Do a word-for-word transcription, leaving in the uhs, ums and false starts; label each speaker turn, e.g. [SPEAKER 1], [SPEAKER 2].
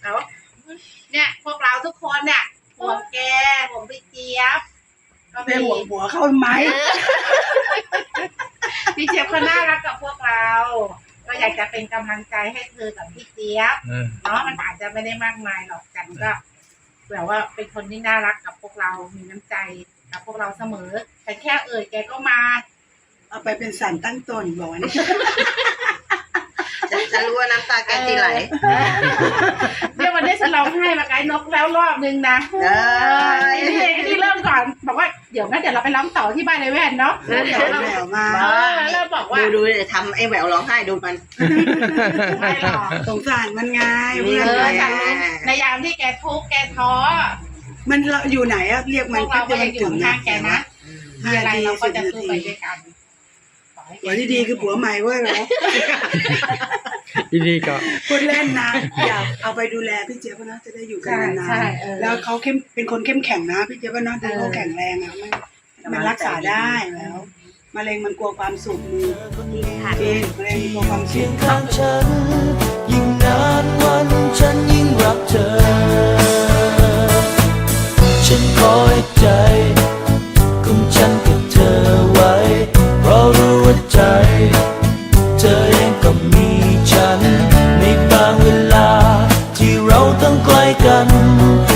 [SPEAKER 1] เขาเนี่ยพวกเราทุกคนเนี่ยห่วงแกห่วงพี่เจี๊ยบก็
[SPEAKER 2] ไปห่วงหัวเข้าไหม
[SPEAKER 1] พี่เจี๊ยบเขาน่ารักกับพวกเราก็อยากจะเป็นกำลังใจให้เธอกับพี่เจี๊ยบเนาะมันอาจจะไม่ได้มากมายหรอกกันก็แบบว่าเป็นคนที่น่ารักกับพวกเรามีน้ำใจกับพวกเราเสมอแต่แค่เอ่ยแกก็มา
[SPEAKER 2] เอาไปเป็นสารตั้งต้นบอกว่า
[SPEAKER 3] จะจะรู้ว่าน้ำตาแกจีไหล
[SPEAKER 1] เนี่ยวันนี้ฉันร้องไห้มาไกด์นกแล้วรอบนึงนะเออนี่นี่เริ่มก่อนบอกว่าเดี๋ยวงั้นเดี๋ยวเราไปร้องต่อที่บ้านในแว่นเนาะเดี๋ยวเราแหววมาเริ่มบอกว่า
[SPEAKER 3] ดูดูเลยทำไอ้แหววร้องไห้ดูมัน
[SPEAKER 1] ไม่หรอก
[SPEAKER 2] สงสารมันไง
[SPEAKER 1] เออฉันในยามที่แกทุกข์แกท้อ
[SPEAKER 2] มันเราอยู่ไหนอะเรียกมัน
[SPEAKER 1] เราก็ยังอยู่ข้างแกนะมีอะไรเราก็จะสู้ไปด้วยกัน
[SPEAKER 2] หัวที่ดีคือผัวใหม่เว้ยเหรอ
[SPEAKER 4] ดีๆก็
[SPEAKER 2] พูดเล่นนะอยากเอาไปดูแลพี่เจี๊ยบนะจะได้อยู่กันนานๆแล้วเขาเข้มเป็นคนเข้มแข็งนะพี่เจี๊ยบนะดูเขาแข็งแรงนะมันมันรักษาได้แล้วมะเร็งมันกลัวความสุขมือจริงมะเร็งกลัวความสุข
[SPEAKER 5] ข้างฉันยิ่งนานวันฉันยิ่งรักเธอฉันคอยใจของฉันกับเธอไว้เพราะรู้ว่าใจเธอเองก็มีฉันในบางเวลาที่เราต้องไกลกัน